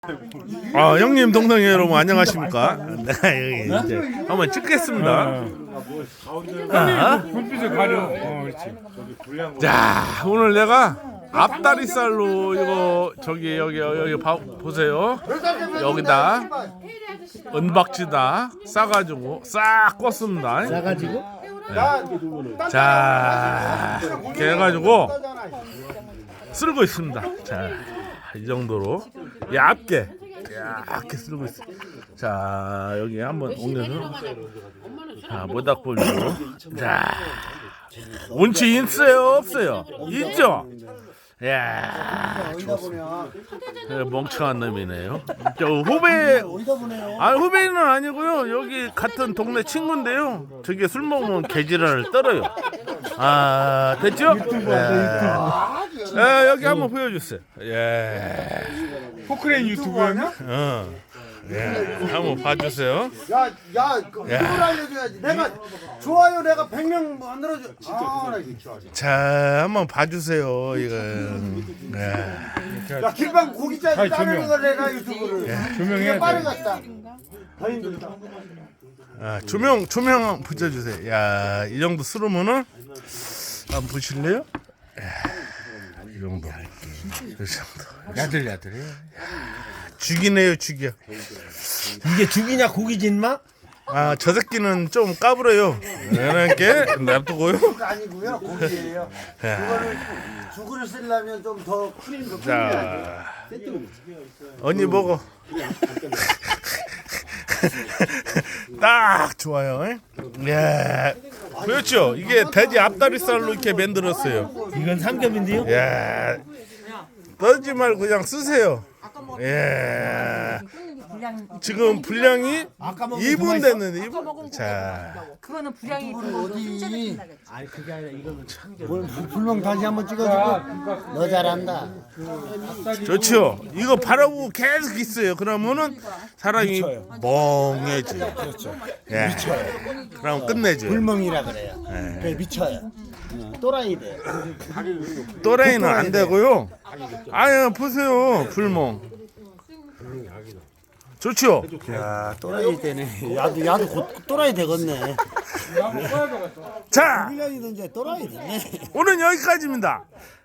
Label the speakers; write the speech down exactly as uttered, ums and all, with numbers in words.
Speaker 1: 아 형님 동생 여러분 안녕하십니까? 내가 여기 이제 한번 찍겠습니다. 아,
Speaker 2: 불빛을 가려. 어, 그렇지.
Speaker 1: 자 오늘 내가 앞다리살로 이거 저기 여기 여기 봐, 보세요. 여기다 은박지다 싸가지고 싹 껐습니다.
Speaker 3: 싸가지고?
Speaker 1: 자 이렇게 해가지고 쓸고 있습니다. 자 이 정도로 얇게 얇게 쓸고 있어. 자 여기 한번 옮겨서 자 모닥불로 자 운치 있어요 없어요? 있죠? 야 멍청한 놈이네요. 저 후배 아 후배는 아니고요. 여기 같은 동네 친구인데요. 저게 술 먹으면 개지랄을 떨어요. 아 됐죠? 예. 예, 여기 한번 보여주세요. 예.
Speaker 2: 포크레인 유튜브였나?
Speaker 1: 어. 예. 한번 봐주세요.
Speaker 3: 야, 야, 그 이걸 알려줘야지. 내가 좋아요, 내가 백 명 만들어줘. 아, 나 이거 좋아.
Speaker 1: 자 한번 봐주세요. 이거. 예.
Speaker 3: 야, 길방 고기짜리
Speaker 2: 아이,
Speaker 3: 따르는
Speaker 2: 조명.
Speaker 3: 걸 내가 유튜브를.
Speaker 2: 조명해야
Speaker 3: 이게
Speaker 2: 돼.
Speaker 3: 빠르겠다. 더 힘들다.
Speaker 1: 아, 조명 조명 붙여주세요. 야, 이 정도 쓰르면은 한번 보실래요? 야, 이 정도. 이 정도.
Speaker 2: 야들야들해.
Speaker 1: 죽이네요, 죽여.
Speaker 3: 이게 죽이냐 고기진 마?
Speaker 1: 아, 저 새끼는 좀 까불어요. 이렇게 놔두고요.
Speaker 3: 아니고요, 고기예요. 그거를 죽을 쓰려면 좀 더 큰 거.
Speaker 1: 자, 언니 먹어. 딱 좋아요. 예. 그렇죠. 이게 돼지 앞다리살로 이렇게 만들었어요.
Speaker 3: 이건 삼겹인데요?
Speaker 1: 예. 떠지 말고 그냥 쓰세요. 예. 지금 분량이 이 분 됐는데 이 분. 자.
Speaker 4: 그거는 분량이 어디?
Speaker 3: 아니 그게 아니라 이거는 불멍 다시 한번 찍어주고. 너 잘한다.
Speaker 1: 좋죠. 이거 바라보고 계속 있어요. 그러면은 사람이 멍해지. 그렇죠. 예. 미쳐요. 그럼 끝내죠.
Speaker 3: 불멍이라 그래요. 그래 미쳐요. 또라이 돼.
Speaker 1: 또라이는 안 되고요. 아유 보세요. 불멍. 좋죠.
Speaker 3: 야 또라이 되네. 야도 야도 곧 또라이 되겠네.
Speaker 1: 자
Speaker 3: 일 년이든 이제 또라이 되네.
Speaker 1: 오늘 여기까지입니다.